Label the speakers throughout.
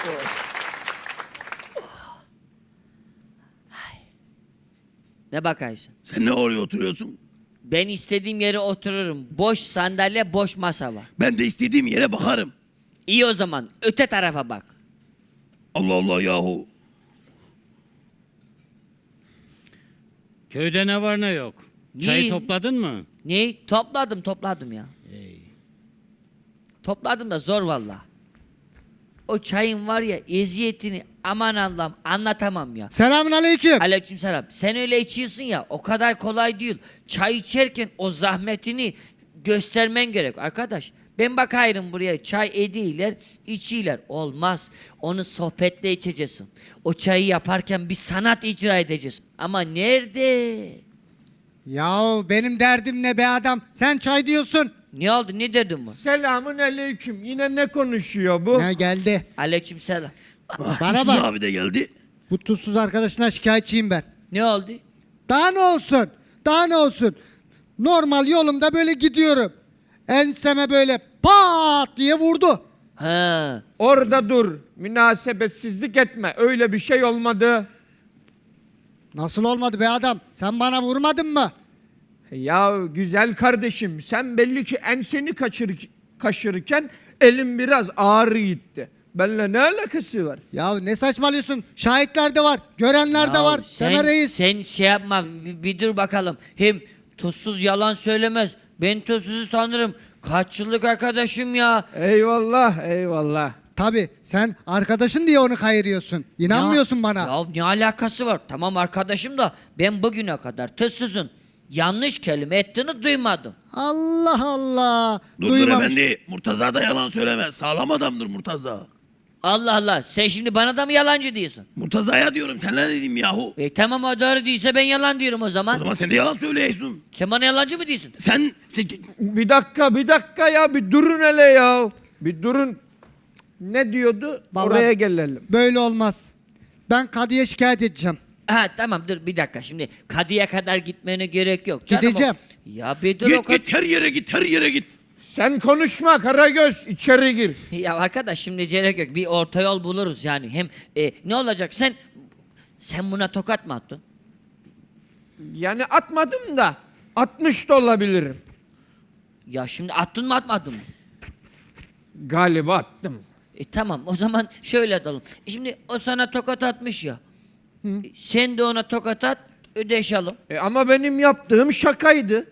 Speaker 1: Ne bakarsın?
Speaker 2: Sen ne oraya oturuyorsun?
Speaker 1: Ben istediğim yere otururum. Boş sandalye, boş masa var.
Speaker 2: Ben de istediğim yere bakarım.
Speaker 1: İyi o zaman öte tarafa bak.
Speaker 2: Allah Allah yahu.
Speaker 3: Köyde ne var ne yok? Çayı
Speaker 1: İyi.
Speaker 3: topladın mı?
Speaker 1: Ne? Topladım ya. Topladım da zor valla. O çayın var ya eziyetini aman Allah'ım anlatamam ya.
Speaker 4: Selamünaleyküm.
Speaker 1: Aleykümselam. Sen öyle içiyorsun ya o kadar kolay değil. Çay içerken o zahmetini göstermen gerek arkadaş. Ben bakayım buraya çay ediyorlar, içiyorlar. Olmaz. Onu sohbetle içeceksin. O çayı yaparken bir sanat icra edeceksin. Ama nerede?
Speaker 4: Yahu benim derdim ne be adam? Sen çay diyorsun.
Speaker 1: Ne oldu? Ne dedin bu?
Speaker 5: Selamun aleyküm. Yine ne konuşuyor bu?
Speaker 4: Ne geldi?
Speaker 1: Aleykümselam.
Speaker 4: Bana
Speaker 2: Tuzsuz
Speaker 4: bak.
Speaker 2: abi de geldi.
Speaker 4: Bu tuzsuz arkadaşına şikayetçiyim ben.
Speaker 1: Ne oldu?
Speaker 4: Daha ne olsun? Daha ne olsun? Normal yolumda böyle gidiyorum. Enseme böyle pat diye vurdu.
Speaker 1: Ha.
Speaker 5: Orada dur. Münasebetsizlik etme. Öyle bir şey olmadı.
Speaker 4: Nasıl olmadı be adam? Sen bana vurmadın mı?
Speaker 5: Ya güzel kardeşim, sen belli ki enseni kaşırırken elin biraz ağır gitti. Benimle ne alakası var?
Speaker 4: Ya ne saçmalıyorsun? Şahitler de var. Görenler de
Speaker 1: Ya
Speaker 4: var. Temel Reis.
Speaker 1: Sen şey yapma bir dur bakalım. Hem tuzsuz yalan söylemez. Ben tuzsuzu tanırım. Kaç yıllık arkadaşım ya.
Speaker 5: Eyvallah, eyvallah.
Speaker 4: Tabii sen arkadaşın diye onu kayırıyorsun. İnanmıyorsun bana.
Speaker 1: Ya ne alakası var? Tamam arkadaşım da ben bugüne kadar tuzsuzun yanlış kelime ettiğini duymadım.
Speaker 4: Allah Allah.
Speaker 2: Dur
Speaker 4: Duymamış.
Speaker 2: efendi. Murtaza da yalan söylemez. Sağlam adamdır Murtaza.
Speaker 1: Allah Allah sen şimdi bana da mı yalancı diyorsun?
Speaker 2: Murtaza'ya diyorum. Sen ne dedim yahu?
Speaker 1: Tamam o doğru değilse ben yalan diyorum o
Speaker 2: O
Speaker 1: zaman.
Speaker 2: zaman sen de yalan söylüyorsun.
Speaker 1: Sen bana yalancı mı diyorsun?
Speaker 2: Sen...
Speaker 5: Bir dakika ya, bir durun hele ya. Bir durun. Ne diyordu?
Speaker 4: Vallahi-
Speaker 5: Oraya gelelim.
Speaker 4: Böyle olmaz. Ben kadıya şikayet edeceğim.
Speaker 1: Ha tamam dur bir dakika şimdi kadıya kadar gitmene gerek yok. Canım,
Speaker 4: Gideceğim.
Speaker 1: Ya bir dur o
Speaker 2: Git git her yere git her yere git.
Speaker 5: Sen konuşma Karagöz, içeri gir.
Speaker 1: Ya arkadaş şimdi gerek yok. Bir orta yol buluruz yani. Hem ne olacak sen buna tokat mı attın?
Speaker 5: Yani atmadım da 60 da olabilirim.
Speaker 1: Ya şimdi attın mı atmadın mı?
Speaker 5: Galiba attım.
Speaker 1: Tamam o zaman şöyle atalım. Şimdi o sana tokat atmış ya. Sen de ona tokat at ödeşelim.
Speaker 5: Ama benim yaptığım şakaydı.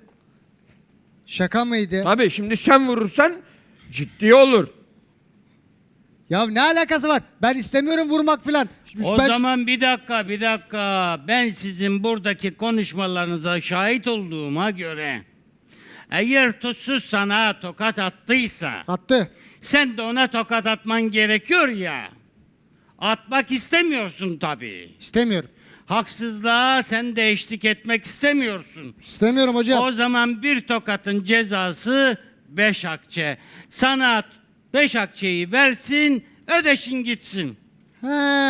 Speaker 4: Şaka mıydı?
Speaker 5: Tabii şimdi sen vurursan ciddi olur.
Speaker 4: Ya ne alakası var? Ben istemiyorum vurmak filan.
Speaker 3: O
Speaker 4: Ben-
Speaker 3: zaman bir dakika. Ben sizin buradaki konuşmalarınıza şahit olduğuma göre eğer tuzsuz sana tokat attıysa
Speaker 4: Attı.
Speaker 3: sen de ona tokat atman gerekiyor ya. Atmak istemiyorsun tabii.
Speaker 4: İstemiyorum.
Speaker 3: Haksızlığa sen de eşlik etmek istemiyorsun.
Speaker 4: İstemiyorum hocam.
Speaker 3: O zaman bir tokatın cezası 5 akçe. Sana 5 akçeyi versin, ödeşin gitsin.
Speaker 4: He.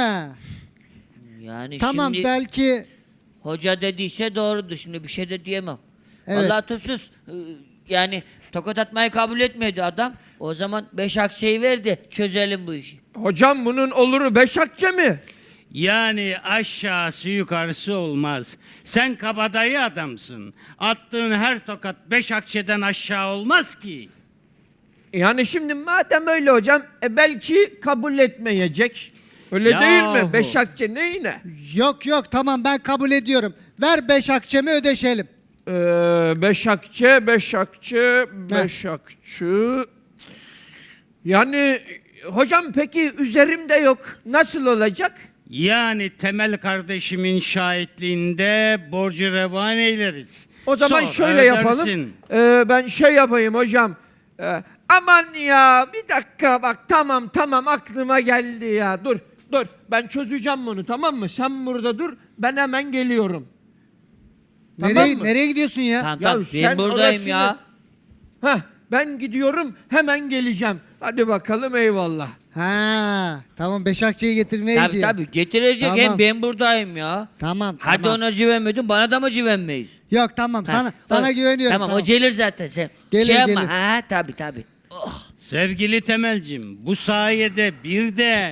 Speaker 1: Yani
Speaker 4: Tamam
Speaker 1: şimdi
Speaker 4: belki
Speaker 1: hoca dediyse doğrudur. Şimdi bir şey de diyemem.
Speaker 4: Evet.
Speaker 1: Vallahi tuzsuz. Yani tokat atmayı kabul etmedi adam. O zaman 5 akçeyi ver de çözelim bu işi.
Speaker 5: Hocam bunun oluru 5 akçe mi?
Speaker 3: Yani aşağısı yukarısı olmaz. Sen kabadayı adamsın. Attığın her tokat 5 akçeden aşağı olmaz ki.
Speaker 5: Yani şimdi madem öyle hocam belki kabul etmeyecek. Öyle değil mi?
Speaker 3: Yahu.
Speaker 5: 5 akçe neyine?
Speaker 4: yok tamam ben kabul ediyorum. Ver 5 akçemi ödeşelim.
Speaker 5: 5 akçe, 5 akçe, 5 akçe. Yani hocam peki üzerimde yok. Nasıl olacak?
Speaker 3: Yani Temel kardeşimin şahitliğinde borcu revan eyleriz.
Speaker 5: O zaman
Speaker 3: Sonra
Speaker 5: şöyle yapalım.
Speaker 3: ödersin.
Speaker 5: Ben şey yapayım hocam. Aman ya bir dakika bak tamam aklıma geldi ya. Dur ben çözeceğim bunu tamam mı? Sen burada dur ben hemen geliyorum. Tamam mı?
Speaker 4: Nereye gidiyorsun ya?
Speaker 1: Tamam
Speaker 5: Ya
Speaker 1: tamam
Speaker 5: sen
Speaker 1: ben buradayım
Speaker 5: orasını-
Speaker 1: ya.
Speaker 5: Ben gidiyorum hemen geleceğim. Hadi bakalım eyvallah.
Speaker 4: Ha, tamam 5 akçeyi getirmeye
Speaker 1: Tabii
Speaker 4: gidiyor.
Speaker 1: tabii getirecek
Speaker 4: Tamam.
Speaker 1: hem ben buradayım ya.
Speaker 4: Tamam.
Speaker 1: Hadi
Speaker 4: tamam.
Speaker 1: ona güvenmedin bana da mı güvenmeyiz?
Speaker 4: Yok tamam
Speaker 1: Ha,
Speaker 4: sana güveniyorum.
Speaker 1: Tamam, o gelir zaten sen.
Speaker 4: Gelir,
Speaker 1: şey yapma.
Speaker 4: gelir.
Speaker 1: Ha tabii.
Speaker 3: Sevgili Temelcim, bu sayede bir de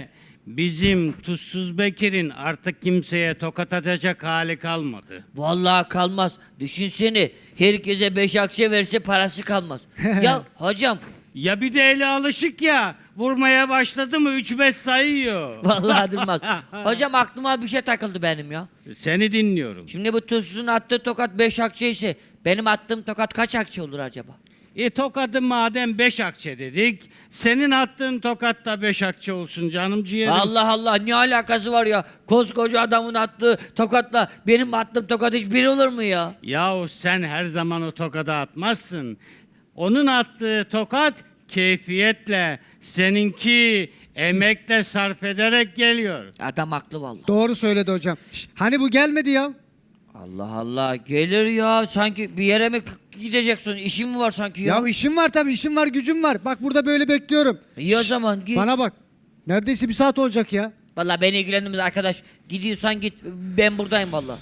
Speaker 3: Bizim Tuzsuz Bekir'in artık kimseye tokat atacak hali kalmadı.
Speaker 1: Vallahi kalmaz. Düşünsene herkese 5 akçe verse parası kalmaz. Ya hocam
Speaker 3: Ya bir de eli alışık ya. Vurmaya başladı mı 3-5 sayıyor.
Speaker 1: vallahi durmaz. Hocam aklıma bir şey takıldı benim ya.
Speaker 3: Seni dinliyorum.
Speaker 1: Şimdi bu tuzsuzun attığı tokat 5 akçe ise benim attığım tokat kaç akçe olur acaba?
Speaker 3: Tokadı madem 5 akçe dedik, senin attığın tokat da 5 akçe olsun canım ciğerim.
Speaker 1: Allah Allah ne alakası var ya? Koskoca adamın attığı tokatla benim attığım tokat hiç bir olur mu ya?
Speaker 3: Yahu sen her zaman o tokadı atmazsın. Onun attığı tokat keyfiyetle, seninki emekle sarf ederek geliyor.
Speaker 1: Adam haklı vallahi.
Speaker 4: Doğru söyledi hocam. Şş, hani bu gelmedi ya?
Speaker 1: Allah Allah gelir ya sanki bir yere mi gideceksin? İşin mi var sanki ya?
Speaker 4: Ya işim var tabii, işim var, gücüm var. Bak burada böyle bekliyorum.
Speaker 1: İyi o zaman git.
Speaker 4: Bana bak. Neredeyse bir saat olacak ya.
Speaker 1: Vallahi beni ilgilendirmez arkadaş. Gidiyorsan git. Ben buradayım vallahi.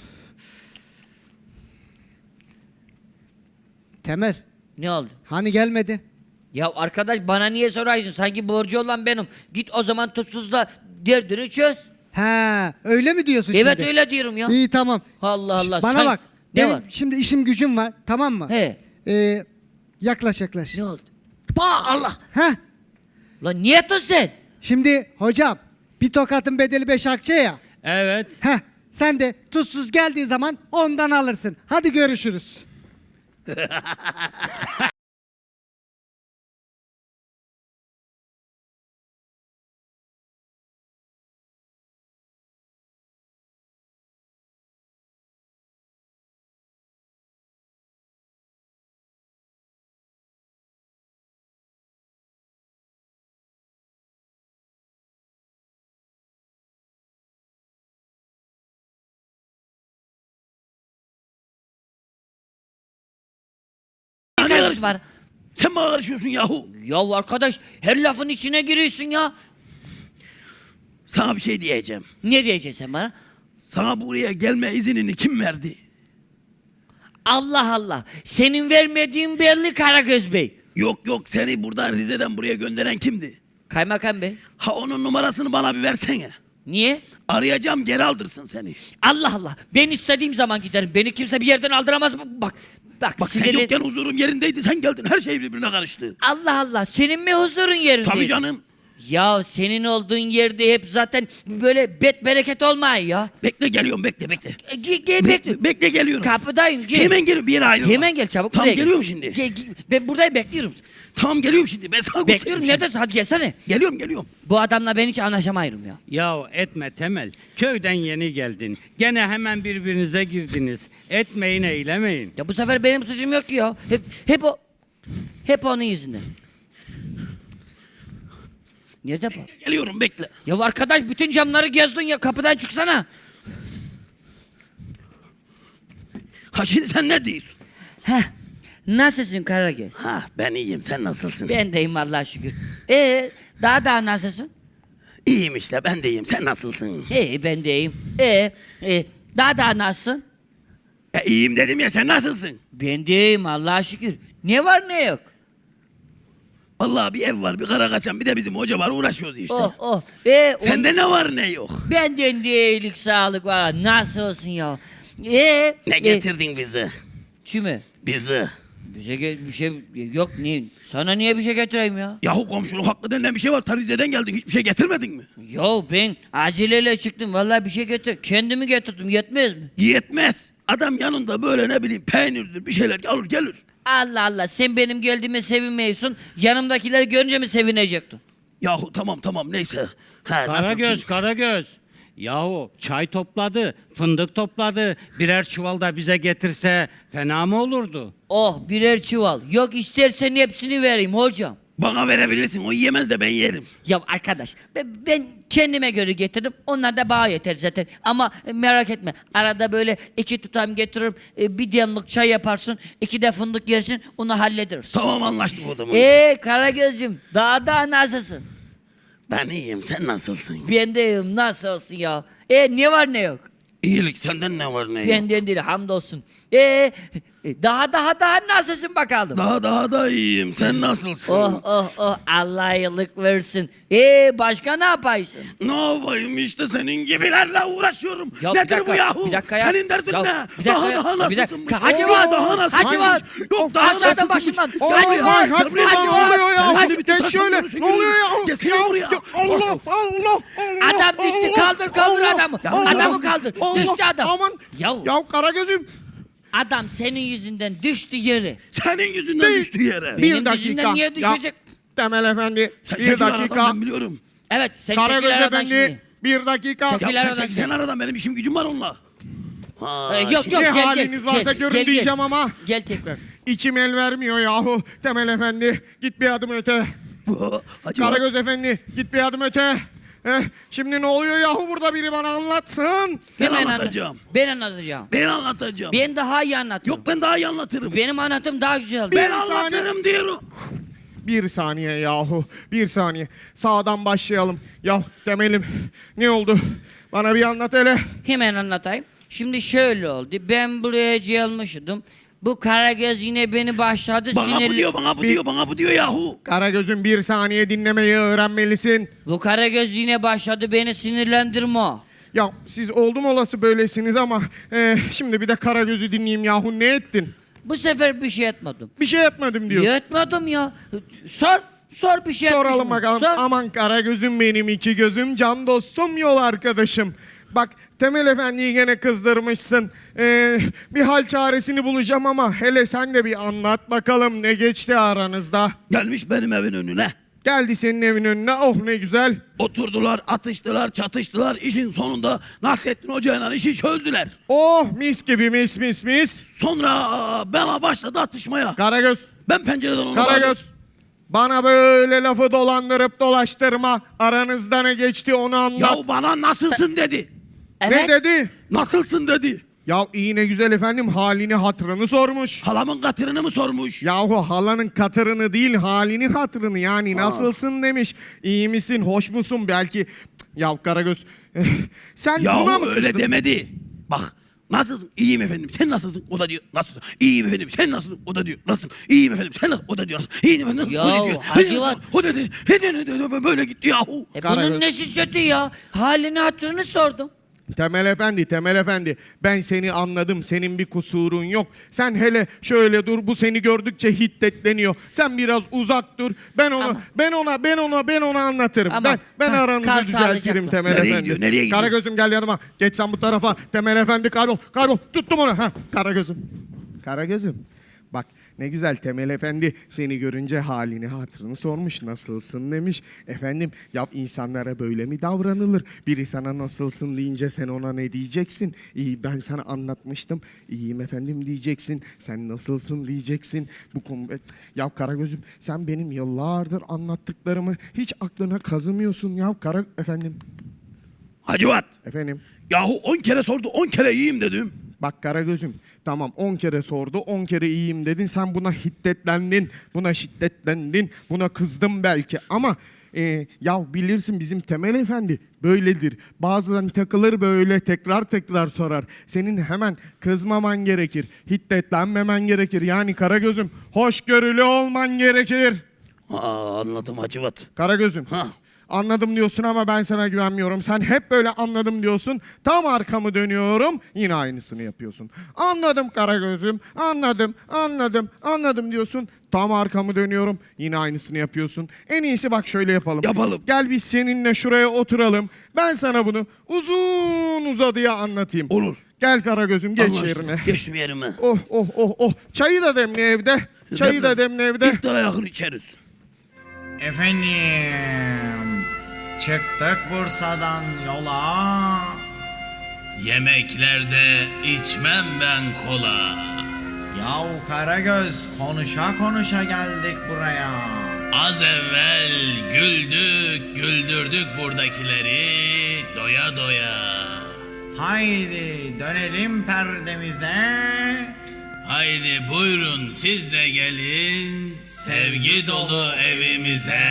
Speaker 4: Temel,
Speaker 1: Ne oldu?
Speaker 4: hani gelmedi?
Speaker 1: Ya arkadaş bana niye sorarsın? Sanki borcu olan benim. Git o zaman tutsuzla derdini çöz.
Speaker 4: He, öyle mi diyorsun
Speaker 1: Evet
Speaker 4: şimdi?
Speaker 1: öyle diyorum ya.
Speaker 4: İyi tamam.
Speaker 1: Allah Allah.
Speaker 4: Bana
Speaker 1: sen-
Speaker 4: bak.
Speaker 1: Ne
Speaker 4: Benim
Speaker 1: var?
Speaker 4: şimdi işim gücüm var, tamam mı?
Speaker 1: He.
Speaker 4: Yaklaş yaklaş.
Speaker 1: Ne oldu? Bah Allah.
Speaker 4: Heh.
Speaker 1: Lan niye atın sen?
Speaker 4: Şimdi hocam bir tokatın bedeli 5 akçe ya.
Speaker 3: Evet.
Speaker 4: Heh. Sen de tuzsuz geldiği zaman ondan alırsın. Hadi görüşürüz.
Speaker 1: Ne
Speaker 2: Ne
Speaker 1: karışın
Speaker 2: karıştın?
Speaker 1: var?
Speaker 2: Sen bana karışıyorsun yahu.
Speaker 1: Ya arkadaş her lafın içine giriyorsun ya.
Speaker 2: Sana bir şey diyeceğim.
Speaker 1: Ne diyeceksin sen bana?
Speaker 2: Sana buraya gelme iznini kim verdi?
Speaker 1: Allah Allah. Senin vermediğin belli Karagöz Bey.
Speaker 2: Yok yok, seni buradan Rize'den buraya gönderen kimdi?
Speaker 1: Kaymakam Bey.
Speaker 2: Ha, onun numarasını bana bir versene.
Speaker 1: Niye?
Speaker 2: Arayacağım, geri aldırsın seni.
Speaker 1: Allah Allah. Ben istediğim zaman giderim. Beni kimse bir yerden aldıramaz mı? Bak.
Speaker 2: Bak sen
Speaker 1: sinirli-
Speaker 2: yokken huzurum yerindeydi, sen geldin, her şey birbirine karıştı.
Speaker 1: Allah Allah. Senin mi huzurun yerinde?
Speaker 2: Tabii canım.
Speaker 1: Ya senin olduğun yerde hep zaten böyle bereket olmuyor ya.
Speaker 2: Bekle, geliyorum, bekle bekle.
Speaker 1: Gel bekle.
Speaker 2: Bekle, geliyorum.
Speaker 1: Kapıdayım gel.
Speaker 2: Hemen geliyorum, bir yere ayrılma.
Speaker 1: Hemen gel çabuk
Speaker 2: Tamam,
Speaker 1: buraya gel.
Speaker 2: geliyorum şimdi.
Speaker 1: Ben buradayım bekliyorum.
Speaker 2: Tamam, geliyorum şimdi, ben sana
Speaker 1: Bekliyorum
Speaker 2: göstereyim
Speaker 1: neredesin hadi gelsene.
Speaker 2: şimdi. Geliyorum.
Speaker 1: Bu adamla ben hiç anlaşamayırım ya.
Speaker 3: Yahu etme Temel. Köyden yeni geldin. Gene hemen birbirinize girdiniz. Etmeyin eylemeyin.
Speaker 1: Ya bu sefer benim suçum yok ki ya. Hep onun yüzünden. Nerede bu?
Speaker 2: Geliyorum, bekle.
Speaker 1: Ya arkadaş bütün camları gezdin ya kapıdan çıksana.
Speaker 2: Ha, şimdi sen ne diyorsun?
Speaker 1: Heh. Nasılsın Karagöz?
Speaker 2: Ha, ben iyiyim, sen nasılsın?
Speaker 1: Ben deyim Allah'a şükür. Daha nasılsın?
Speaker 2: İyiyim işte, ben de iyiyim, sen nasılsın?
Speaker 1: Ben de iyiyim. Daha nasılsın?
Speaker 2: İyiyim dedim ya, sen nasılsın?
Speaker 1: Ben de iyiyim Allah'a şükür. Ne var ne yok?
Speaker 2: Vallahi bir ev var, bir kara kaçan, bir de bizim hoca var, uğraşıyoruz işte.
Speaker 1: Oh.
Speaker 2: Sende ne var ne yok?
Speaker 1: Benden de iyilik sağlık var. Nasıl olsun ya?
Speaker 2: Ne getirdin bizi?
Speaker 1: Kime?
Speaker 2: Bizi.
Speaker 1: Bir şey yok niye? Sana niye bir şey getireyim ya?
Speaker 2: Yahu komşuluk hakkı denilen bir şey var. Rize'den geldik, hiçbir şey getirmedin mi?
Speaker 1: Yo ben aceleyle çıktım. Vallahi bir şey getir. Kendimi getirdim. Yetmez mi?
Speaker 2: Yetmez. Adam yanında böyle ne bileyim peynirdir bir şeyler alır gelir.
Speaker 1: Allah Allah sen benim geldiğime sevinmiyorsun. Yanımdakileri görünce mi sevinecektin?
Speaker 2: Yahu tamam neyse. Ha,
Speaker 3: Karagöz, Karagöz. Yahu çay topladı, fındık topladı. Birer çuval da bize getirse fena mı olurdu?
Speaker 1: Oh birer çuval. Yok istersen hepsini vereyim hocam.
Speaker 2: Bana verebilirsin, o yiyemez de ben yerim.
Speaker 1: Ya arkadaş ben kendime göre getirdim. Onlar da bana yeter zaten. Ama merak etme. Arada böyle 2 tutam getiririm. Bir demlik çay yaparsın. 2 de fındık yersin. Onu hallederiz.
Speaker 2: Tamam, anlaştık o zaman.
Speaker 1: Karagöz'cüm daha nasılsın?
Speaker 2: Ben iyiyim, sen nasılsın?
Speaker 1: Ben de iyiyim. Nasıl olsun ya? Ne var ne yok?
Speaker 2: İyilik, senden ne var ne yok?
Speaker 1: Benden değil hamdolsun. Daha nasılsın bakalım?
Speaker 2: Daha da iyiyim. Sen nasılsın?
Speaker 1: Oh Allah iyilik versin. Başka ne yapaysın?
Speaker 2: Ne yapayım işte senin gibilerle uğraşıyorum.
Speaker 1: Ya bir
Speaker 2: Nedir
Speaker 1: dakika,
Speaker 2: bu yahu?
Speaker 1: bir dakika ya.
Speaker 2: Senin derdin
Speaker 1: Ya
Speaker 2: ne?
Speaker 1: bir dakika ya,
Speaker 2: Daha
Speaker 1: bir dakika.
Speaker 2: nasılsınmış?
Speaker 1: Hacivat,
Speaker 2: Daha nasılsınmış?
Speaker 1: Hacivat.
Speaker 2: Yok daha
Speaker 1: Aşağıdan
Speaker 2: nasılsınmış?
Speaker 1: başından.
Speaker 2: Gel
Speaker 1: Hacivat,
Speaker 2: buraya.
Speaker 4: Hadi
Speaker 2: Gel buraya.
Speaker 4: ne oluyor ya?
Speaker 2: Sen şimdi bir
Speaker 4: Geç
Speaker 2: tutarsan
Speaker 4: şöyle.
Speaker 2: görürsün,
Speaker 4: Ne oluyor ya?
Speaker 2: görürsün. Gelsene buraya.
Speaker 4: Allah.
Speaker 1: Adam düştü, kaldır adamı. Adamı kaldır. Düştü adam.
Speaker 4: Aman.
Speaker 1: Ya
Speaker 4: Ya Karagöz'üm.
Speaker 1: adam senin yüzünden düştü yere.
Speaker 2: Senin yüzünden
Speaker 4: Bir-
Speaker 2: düştü yere.
Speaker 1: Benim
Speaker 4: Bir dakika.
Speaker 1: yüzümden niye düşecek?
Speaker 4: Ya, Temel Efendi.
Speaker 2: Sen
Speaker 4: Bir
Speaker 2: çekil aradan,
Speaker 4: dakika.
Speaker 2: ben biliyorum.
Speaker 1: Evet sen
Speaker 4: Karagöz
Speaker 1: çekil aradan
Speaker 4: Efendi.
Speaker 1: şimdi.
Speaker 4: Bir dakika.
Speaker 1: Çekil.
Speaker 2: Ya
Speaker 1: aradan
Speaker 2: sen aradan, benim işim gücüm var onunla. Ha,
Speaker 1: Yok
Speaker 2: şimdi-
Speaker 1: yok
Speaker 4: Ne
Speaker 1: gel
Speaker 4: haliniz varsa görün diyeceğim ama.
Speaker 1: Gel tekrar.
Speaker 4: İçim el vermiyor yahu. Temel Efendi. Git bir adım öte.
Speaker 2: Hacivat.
Speaker 4: Karagöz Efendi. Git bir adım öte. Şimdi ne oluyor yahu burada biri bana anlatsın.
Speaker 2: Ben anlatacağım.
Speaker 1: Ben anlatacağım.
Speaker 2: Ben anlatacağım.
Speaker 1: Ben daha iyi anlatırım.
Speaker 2: Yok ben daha iyi anlatırım.
Speaker 1: Benim anlatım daha güzel.
Speaker 2: Ben
Speaker 4: Bir saniye.
Speaker 2: anlatırım diyorum.
Speaker 4: Bir saniye yahu. Bir saniye. Sağdan başlayalım. Ya Temel'im ne oldu? Bana bir anlat hele.
Speaker 1: Hemen anlatayım. Şimdi şöyle oldu. Ben buraya gelmiştim. Bu Karagöz yine beni başladı
Speaker 2: Bana bu
Speaker 1: sinirli.
Speaker 2: diyor, bana bu diyor yahu.
Speaker 4: Karagöz'üm bir saniye dinlemeyi öğrenmelisin.
Speaker 1: Bu Karagöz yine başladı beni sinirlendirme.
Speaker 4: Ya siz oldum olası böylesiniz ama şimdi bir de Karagöz'ü dinleyeyim yahu ne ettin?
Speaker 1: Bu sefer bir şey etmedim.
Speaker 4: Bir şey etmedim diyor.
Speaker 1: Etmedim ya. Sor bir şey etmiş
Speaker 4: Soralım
Speaker 1: mi?
Speaker 4: bakalım.
Speaker 1: Sor.
Speaker 4: Aman Karagöz'üm benim iki gözüm, can dostum, yol arkadaşım. Bak Temel Efendi'yi gene kızdırmışsın. Bir hal çaresini bulacağım ama hele sen de bir anlat bakalım ne geçti aranızda.
Speaker 2: Gelmiş benim evin önüne.
Speaker 4: Geldi senin evin önüne, oh ne güzel.
Speaker 2: Oturdular, atıştılar, çatıştılar. İşin sonunda Nasrettin Hoca'yla işi çözdüler.
Speaker 4: Oh mis gibi mis.
Speaker 2: Sonra bana başladı atışmaya.
Speaker 4: Karagöz,
Speaker 2: Ben pencereden onu bağırdım.
Speaker 4: Karagöz. Bana böyle lafı dolandırıp dolaştırma. Aranızda ne geçti onu anlat.
Speaker 2: Ya bana nasılsın dedi.
Speaker 1: Evet.
Speaker 4: Ne dedi?
Speaker 2: Nasılsın dedi.
Speaker 4: Ya iyi ne güzel efendim halini hatırını sormuş.
Speaker 2: Halamın katırını mı sormuş?
Speaker 4: Yahu halanın katırını değil halini hatırını yani nasılsın demiş. İyi misin, hoş musun belki. Ya Karagöz sen buna
Speaker 2: Ya
Speaker 4: mı
Speaker 2: öyle
Speaker 4: kızdın?
Speaker 2: demedi. Bak nasılsın? İyiyim efendim. Sen nasılsın? O da diyor. Nasılsın? İyiyim efendim. Sen nasılsın? O da diyor. Nasılsın? İyiyim efendim. Sen nasılsın? O da diyor. Nasılsın? İyiyim efendim.
Speaker 1: Ya,
Speaker 2: O da diyor.
Speaker 1: Hacivat.
Speaker 2: O da diyor. Böyle gitti yahu.
Speaker 4: Karagöz.
Speaker 1: Bunun nesi kötü ya? Halini hatırını sordum.
Speaker 4: Temel Efendi ben seni anladım, senin bir kusurun yok. Sen hele şöyle dur, bu seni gördükçe hiddetleniyor. Sen biraz uzak dur,
Speaker 1: Ama-
Speaker 4: ben ona anlatırım.
Speaker 1: Ama-
Speaker 4: Ben
Speaker 1: Kal
Speaker 4: aranızı düzeltirim
Speaker 1: sağlıcakla.
Speaker 4: Temel
Speaker 2: Nereye
Speaker 4: Efendi.
Speaker 2: gidiyor, nereye gidiyor?
Speaker 4: Karagöz'üm gel yanıma, geç sen bu tarafa. Temel Efendi kaybol, tuttum onu. Karagöz'üm, bak ne güzel Temel Efendi seni görünce halini hatırını sormuş, nasılsın demiş. Efendim ya insanlara böyle mi davranılır? Biri sana nasılsın deyince sen ona ne diyeceksin? İyi ben sana anlatmıştım. İyiyim efendim diyeceksin. Sen nasılsın diyeceksin. Bu konu ya Karagöz'üm sen benim yıllardır anlattıklarımı hiç aklına kazımıyorsun ya efendim.
Speaker 2: Hacivat.
Speaker 4: Efendim.
Speaker 2: Yahu 10 kere sordu. 10 kere iyiyim dedim.
Speaker 4: Bak Karagöz'üm tamam 10 kere sordu 10 kere iyiyim dedin sen buna hiddetlendin buna şiddetlendin buna kızdın belki ama ya bilirsin bizim Temel Efendi böyledir bazen takılır böyle tekrar sorar senin hemen kızmaman gerekir hiddetlenmemen gerekir yani Karagöz'üm hoşgörülü olman gerekir.
Speaker 2: Anladım Hacivat.
Speaker 4: Karagöz'üm.
Speaker 2: Ha.
Speaker 4: Anladım diyorsun ama ben sana güvenmiyorum. Sen hep böyle anladım diyorsun. Tam arkamı dönüyorum. Yine aynısını yapıyorsun. Anladım Karagöz'üm. Anladım diyorsun. Tam arkamı dönüyorum. Yine aynısını yapıyorsun. En iyisi bak şöyle yapalım.
Speaker 2: Yapalım.
Speaker 4: Gel biz seninle şuraya oturalım. Ben sana bunu uzun uzadıya anlatayım.
Speaker 2: Olur.
Speaker 4: Gel Karagöz'üm geç
Speaker 2: Allah aşkına,
Speaker 4: yerine.
Speaker 2: Geçtim yerime.
Speaker 4: Oh. Çayı da demle evde. Çayı da demle evde.
Speaker 2: İftara yakın içeriz.
Speaker 6: Efendim, çıktık Bursa'dan yola.
Speaker 7: Yemeklerde içmem ben kola.
Speaker 6: Yahu Karagöz, konuşa geldik buraya.
Speaker 7: Az evvel güldürdük buradakileri doya doya.
Speaker 6: Haydi dönelim perdemize.
Speaker 7: Haydi buyurun siz de gelin sevgi dolu evimize.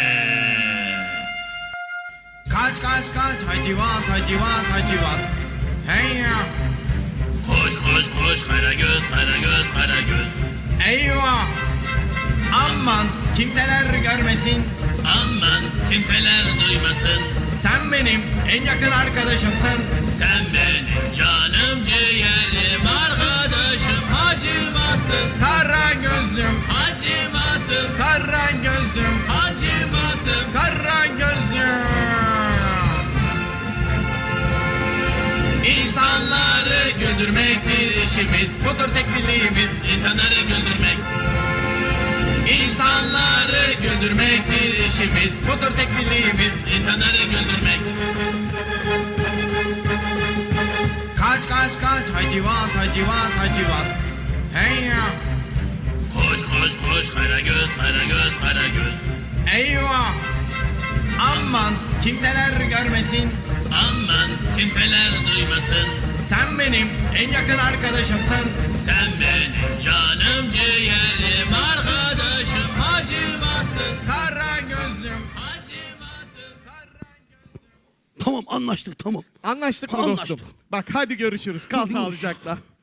Speaker 6: Kaç, hacivat. Hey ya.
Speaker 7: Koş koş koş Karagöz, Karagöz, Karagöz.
Speaker 6: Eyvah! Aman kimseler görmesin.
Speaker 7: Aman kimseler duymasın.
Speaker 6: Sen benim en yakın arkadaşımsın.
Speaker 7: Sen benim canım ciğerim, arkadaşım, hacimatım,
Speaker 6: Kara gözlüm,
Speaker 7: hacimatım,
Speaker 6: kara gözlüm,
Speaker 7: hacimatım.
Speaker 6: kara gözlüm.
Speaker 7: İnsanları güldürmek bir işimiz.
Speaker 6: Budur tek bildiğimiz.
Speaker 7: İnsanları güldürmek. İnsanları güldürmek bir işimiz.
Speaker 6: Budur tek bildiğimiz.
Speaker 7: İnsanları güldürmek.
Speaker 6: Kaç kaç kaç hacivat hacivat hacivat. Hey ya.
Speaker 7: Koş koş koş Karagöz, Karagöz, Karagöz.
Speaker 6: Eyvah. Aman kimseler görmesin.
Speaker 7: Aman kimseler duymasın.
Speaker 6: Sen benim en yakın arkadaşımsın.
Speaker 7: Sen benim canım ciğerim, arkadaşım, hacimatım,
Speaker 6: Kara gözlüm.
Speaker 7: hacimatım.
Speaker 2: Tamam anlaştık tamam.
Speaker 4: Anlaştık mı
Speaker 2: Anlaştık.
Speaker 4: dostum? Bak hadi görüşürüz. Kal sağlıcakla.